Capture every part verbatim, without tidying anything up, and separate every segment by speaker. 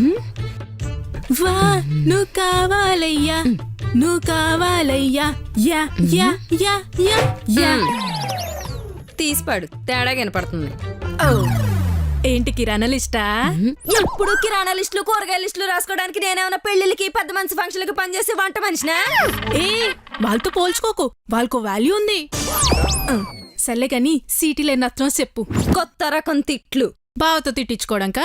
Speaker 1: వా నువ్వు కావాలయ్యా నువ్వు కావాలయ్యా యా యా యా యా యా
Speaker 2: తీసిపాడు తేడా కనపడుతుంది.
Speaker 1: ఏంటి కిరాణా లిస్టా?
Speaker 2: ఎప్పుడు కిరాణా లిస్టులు కూరగాయల లిస్టులు రాసుకోవడానికి నేనేమన్నా పెళ్లిళ్ళకి పెద్ద మనిషి ఫంక్షన్లకి పనిచేసే వంట మనిషినా?
Speaker 1: ఏ వాళ్ళతో పోల్చుకోకు, వాళ్ళకు వాల్యూ ఉంది. సర్లే కాని సీటీలో నత్రం చెప్పు.
Speaker 2: కొత్త రకం తిట్లు
Speaker 1: బావతో తిట్టించుకోవడంకా?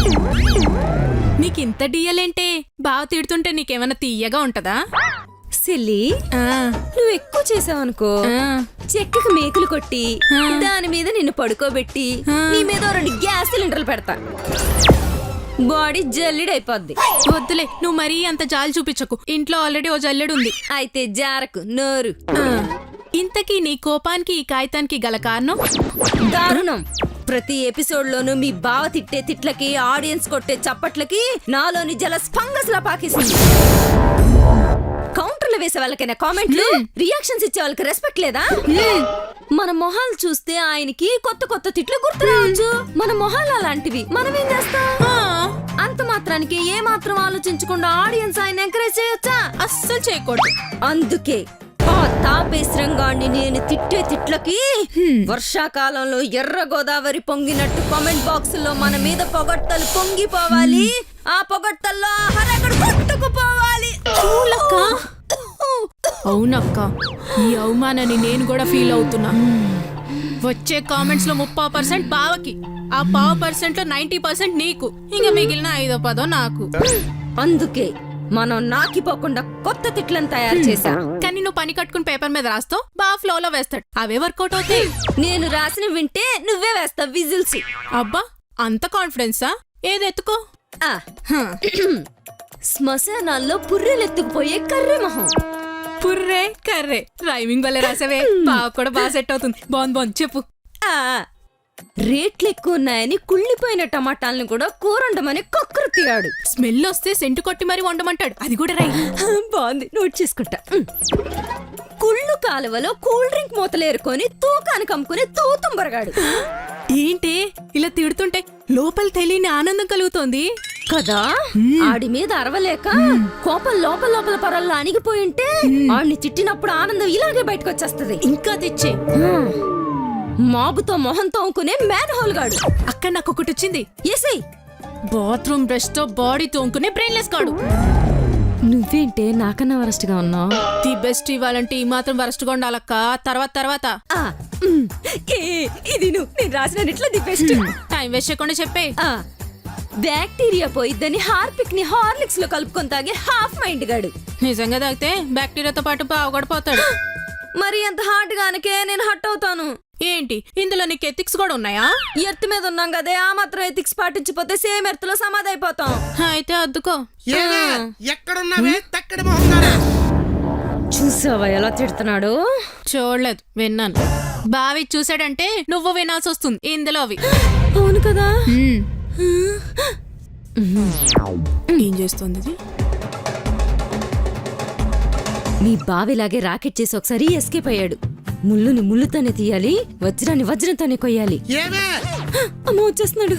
Speaker 1: నీకింత డియలేంటే? బావ తిడుతుంటే నీకేమన్నా తీయగా ఉంటదా?
Speaker 2: సిల్లి నువ్వు ఎక్కువ చేసావనుకో చెక్కకి మేకులు కొట్టి దాని మీద నిన్ను పడుకోబెట్టి నీ మీద రెండు గ్యాస్ సిలిండర్లు పెడతా. బాడీ జల్లిడైపోద్ది.
Speaker 1: వద్దులే, నువ్వు మరీ అంత జాలి చూపించకు. ఇంట్లో ఆల్రెడీ ఓ జల్లెడు ఉంది.
Speaker 2: అయితే జారకు నోరు.
Speaker 1: ఇంతకీ నీ కోపానికి ఈ కాగితానికి గల కారణం?
Speaker 2: దారుణం. ప్రతి ఎపిసోడ్ లోనూ మీ బావ తిట్టే తిట్లకి, ఆడియన్స్ కొట్టే చప్పట్లకి నాలోని జలస్ ఫంగస్ లా పాకేసింది. కౌంటర్లు వేసే వాళ్ళకైనా కామెంట్లు, రియాక్షన్స్ ఇచ్చే వాళ్ళకి రెస్పెక్ట్ లేదా? మన మొహాలు చూస్తే ఆయనకి కొత్త కొత్త తిట్లు గుర్తు రావచ్చు. మన మొహాలు అలాంటివి, మనం ఏం చేస్తాం? అంత మాత్రానికి ఏ మాత్రం ఆలోచించకుండా ఆడియన్స్ ఆయన ఎంకరేజ్ చేయొచ్చా?
Speaker 1: అస్సలు చేయకూడదు.
Speaker 2: అందుకే ఆ తాపేశ్వరంగాన్ని నేను తిట్టే తిట్లకి వర్షాకాలంలో ఎర్ర గోదావరి పొంగినట్టు కామెంట్ బాక్స్ లో మన మీద పొగట్టలు పొంగిపోవాలి. ఆ పొగట్టల్లో హరగడు కొట్టుకుపోవాలి.
Speaker 1: అవునక్క, ఈ అవమానాన్ని నేను కూడా ఫీల్ అవుతున్నా. వచ్చే కామెంట్స్ లో ముప్పై పర్సెంట్ బావకి, ఆ పావు పర్సెంట్ లో నైన్టీ పర్సెంట్ నీకు, ఇంకా మిగిలిన ఐదో పదో నాకు.
Speaker 2: అందుకే మనం నాకిపోకుండా కొత్త తిట్లను తయారు చేశా.
Speaker 1: కానీ నువ్వు పని కట్టుకుని పేపర్ మీద రాస్తావు, బాగా ఫ్లో లో వేస్తాడు. అవే వర్కౌట్ అవుతాయి.
Speaker 2: నేను రాసిన వింటే నువ్వే వేస్తావు విజిల్స్.
Speaker 1: అబ్బా, అంత కాన్ఫిడెన్సా? ఏదెత్తుకో.
Speaker 2: శ్మశానాల్లో పుర్రెలెత్తుకుపోయే కర్రె మొహం.
Speaker 1: పుర్రే కర్రే రైమింగ్ వల్ల రాసావే. బాగా కూడా బాగా సెట్ అవుతుంది. బాగుంది బాగుంది, చెప్పు.
Speaker 2: రేట్లు ఎక్కువ ఉన్నాయని కుళ్ళిపోయిన టమాటాలను కూడా కూరండమని కక్కురు తీయాడు.
Speaker 1: స్మెల్ వస్తే సెంటు కొట్టి మరి వండమంటాడు. అది కూడా రై.
Speaker 2: బాగుంది, నోట్ చేసుకుంటా. కుళ్ళు కాలువలో కూల్ డ్రింక్ మూతలేరుకొని తూకానికి అమ్ముకుని తూతుంబరగాడు.
Speaker 1: ఏంటి ఇలా తిడుతుంటే లోపల తెలియని ఆనందం కలుగుతోంది
Speaker 2: కదా? ఆడి మీద అరవలేక కోపం లోపల లోపల పొరల్లో అణిగిపోయింటే ఆడిని తిట్టినప్పుడు ఆనందం ఇలాగే బయటకు వచ్చేస్తది.
Speaker 1: ఇంకా తెచ్చే
Speaker 2: మాబుతో మొహం తోముకునే మ్యాన్ హోల్ గాడు.
Speaker 1: అక్కడ నాకు ఒకటి వచ్చింది.
Speaker 2: ఎసై
Speaker 1: బాత్రూమ్ బ్రష్ తో బాడీ తోముకునే బ్రెయిన్లెస్ గాడు.
Speaker 2: నువ్వేంటే నాకన్నా వరస్ట్ గా ఉన్నావు?
Speaker 1: ది బెస్ట్ ఇవ్వాలంటే ఈ మాత్రం వరస్ట్ గా ఉండాలక్క. తర్వాత తర్వాత
Speaker 2: ఇది నువ్వు నేను రాసిన ఇట్లా ది బెస్ట్.
Speaker 1: టైం వేస్ట్ చేయకుండా చెప్పే.
Speaker 2: బ్యాక్టీరియా పోయిద్దని హార్పిక్ ని హార్లిక్స్ లో కలుపుకొని తాగే హాఫ్ మైండ్ గాడు.
Speaker 1: నిజంగా తాగితే బ్యాక్టీరియాతో పాటు బావగడిపోతాడు.
Speaker 2: మరి అంత హార్ట్ గానకే నేను హట్ అవుతాను.
Speaker 1: ఏంటి ఇందులో నీకు ఎథిక్స్ కూడా ఉన్నాయా?
Speaker 2: ఎర్త్ మీద ఉన్నాం కదే, ఆ మాత్రం ఎథిక్స్ పాటించిపోతే సేమ్ ఎర్త్ లో సమాధి అయిపోతాం.
Speaker 1: అయితే అద్దుకో.
Speaker 2: చూసావా ఎలా తిడుతున్నాడు?
Speaker 1: చూడలేదు, విన్నాను. బావి చూసాడంటే నువ్వు వినాల్సి వస్తుంది ఇందులో అవి.
Speaker 2: అవును కదా?
Speaker 1: ఏం చేస్తుంది ఇది?
Speaker 2: మీ బావిలాగే రాకెట్ చేసి ఒకసారి ఎస్కేప్ అయ్యాడు. ముళ్ళుని ముళ్ళుతోనే తీయాలి, వజ్రాన్ని వజ్రంతోనే కొయ్యాలి. అమ్మ వచ్చేస్తున్నాడు.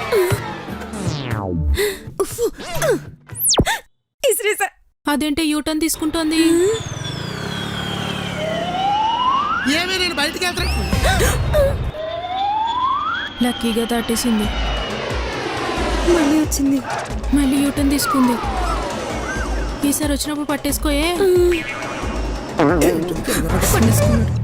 Speaker 1: అదేంటే యూటర్న్ తీసుకుంటోంది? లక్కీగా దాటేసింది.
Speaker 2: మళ్ళీ వచ్చింది.
Speaker 1: మళ్ళీ యూటర్న్ తీసుకుంది. ఈసారి వచ్చినప్పుడు పట్టేసుకోయే. పట్టేసుకున్నాడు.